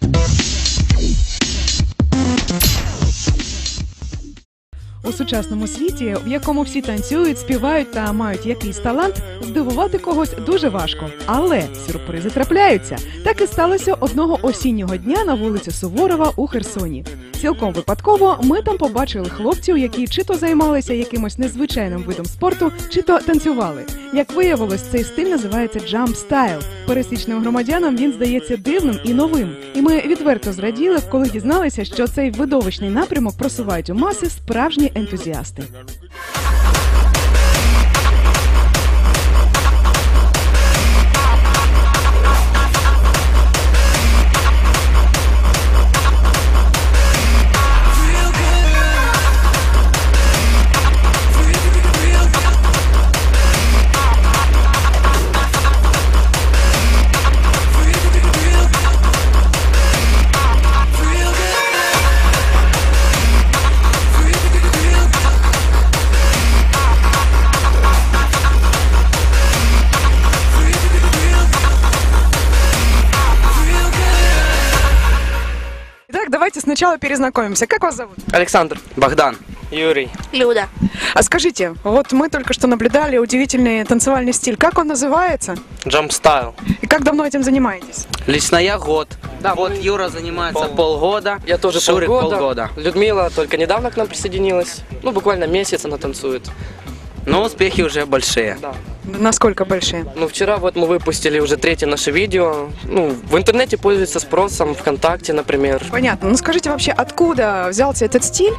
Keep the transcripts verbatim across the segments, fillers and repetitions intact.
У сучасному світі, в якому всі танцюють, співають та мають якийсь талант, здивувати когось дуже важко. Але сюрпризи трапляються. Так і сталося одного осіннього дня на вулиці Суворова у Херсоні. Цілком випадково ми там побачили хлопців, які чи то займалися якимось незвичайним видом спорту, чи то танцювали. Як виявилось, цей стиль називається джамп стайл. Пересічним громадянам він здається дивним і новим. І ми відверто зраділи, коли дізналися, що цей видовищний напрямок просувають у маси справжні ентузіасти. Давайте сначала перезнакомимся. Как вас зовут? Александр. Богдан. Юрий. Люда. А скажите, вот мы только что наблюдали удивительный танцевальный стиль. Как он называется? Jump Style. И как давно этим занимаетесь? Лично я год. Да, вот мы... Юра занимается Пол... полгода. Я тоже Шурик полгода. полгода. Людмила только недавно к нам присоединилась. Ну, буквально месяц она танцует. Но успехи уже большие. Да. Насколько большие? Ну, вчера вот мы выпустили уже третье наше видео. Ну, в интернете пользуется спросом, ВКонтакте, например. Понятно. Ну, скажите вообще, откуда взялся этот стиль?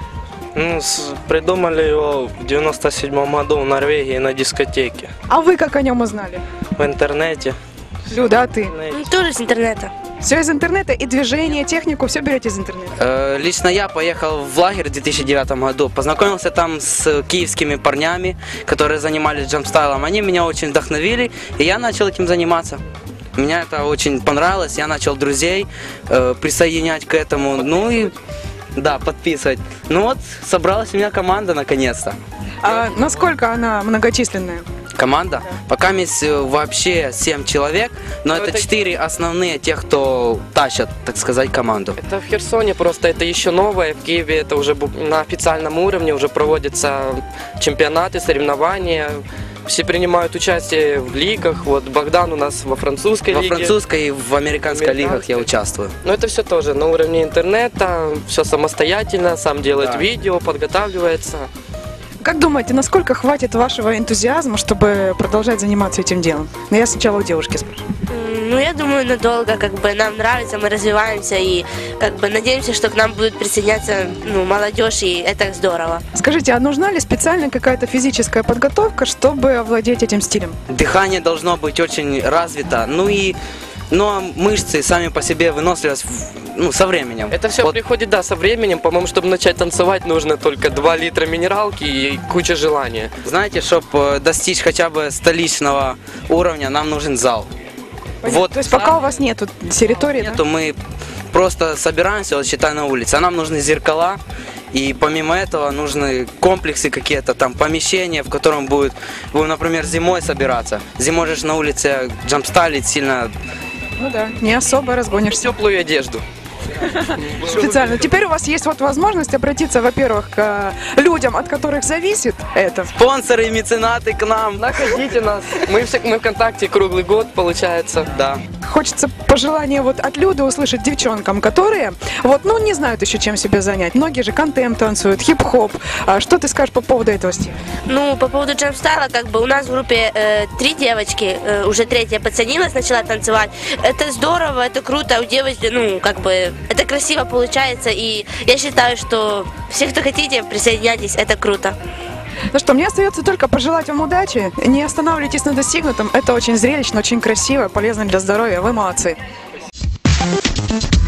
Ну, с, придумали его в девяносто седьмом году в Норвегии на дискотеке. А вы как о нем узнали? В интернете. Люда, а ты? Ну, тоже с интернета. Все из интернета, и движение, технику, все берете из интернета? Э, лично я поехал в лагерь в две тысячи девятом году. Познакомился там с киевскими парнями, которые занимались джампстайлом. Они меня очень вдохновили, и я начал этим заниматься. Мне это очень понравилось. Я начал друзей э, присоединять к этому. Ну и да, подписывать. Ну вот, собралась у меня команда наконец-то. А насколько она многочисленная? Команда? Пока есть вообще семь человек, но, но это, это четыре основные, тех, кто тащат, так сказать, команду. Это в Херсоне просто, это еще новое. В Киеве это уже на официальном уровне, уже проводятся чемпионаты, соревнования. Все принимают участие в лигах. Вот Богдан у нас во французской во лиге. Во французской и в американской, американской лигах я участвую. Но это все тоже на уровне интернета, все самостоятельно, сам делает да. видео, подготавливается. Как думаете, насколько хватит вашего энтузиазма, чтобы продолжать заниматься этим делом? Но я сначала у девушки спрошу. Ну, я думаю, надолго, как бы нам нравится, мы развиваемся и как бы надеемся, что к нам будут присоединяться ну, молодежь, и это здорово. Скажите, а нужна ли специально какая-то физическая подготовка, чтобы овладеть этим стилем? Дыхание должно быть очень развито, ну и но мышцы сами по себе выносливость ну, со временем. Это все вот. Приходит, да, со временем. По-моему, чтобы начать танцевать, нужно только два литра минералки и куча желания. Знаете, чтобы достичь хотя бы столичного уровня, нам нужен зал. Вот. То есть зал, пока у вас нету территории, нету, да? Мы просто собираемся, вот считай, на улице. А нам нужны зеркала. И помимо этого нужны комплексы какие-то, там помещения, в котором будет, будем, например, зимой собираться. Зимой же на улице джампстайлить сильно. Ну да, не особо разгонишься. Теплую одежду. Специально. Теперь у вас есть вот возможность обратиться, во-первых, к людям, от которых зависит это. Спонсоры и меценаты к нам. Находите нас. Мы, все, мы ВКонтакте круглый год, получается. Да. Хочется пожелание вот от Люды услышать девчонкам, которые вот, ну, не знают еще, чем себя занять. Многие же контем танцуют, хип-хоп. А что ты скажешь по поводу этого стиля? Ну, по поводу джампстайла, как бы у нас в группе э, три девочки, э, уже третья подсоединилась, начала танцевать. Это здорово, это круто, у девочки, ну, как бы, это красиво получается, и я считаю, что все, кто хотите, присоединяйтесь, это круто. Ну что, мне остается только пожелать вам удачи, не останавливайтесь на достигнутом, это очень зрелищно, очень красиво, полезно для здоровья, вы молодцы.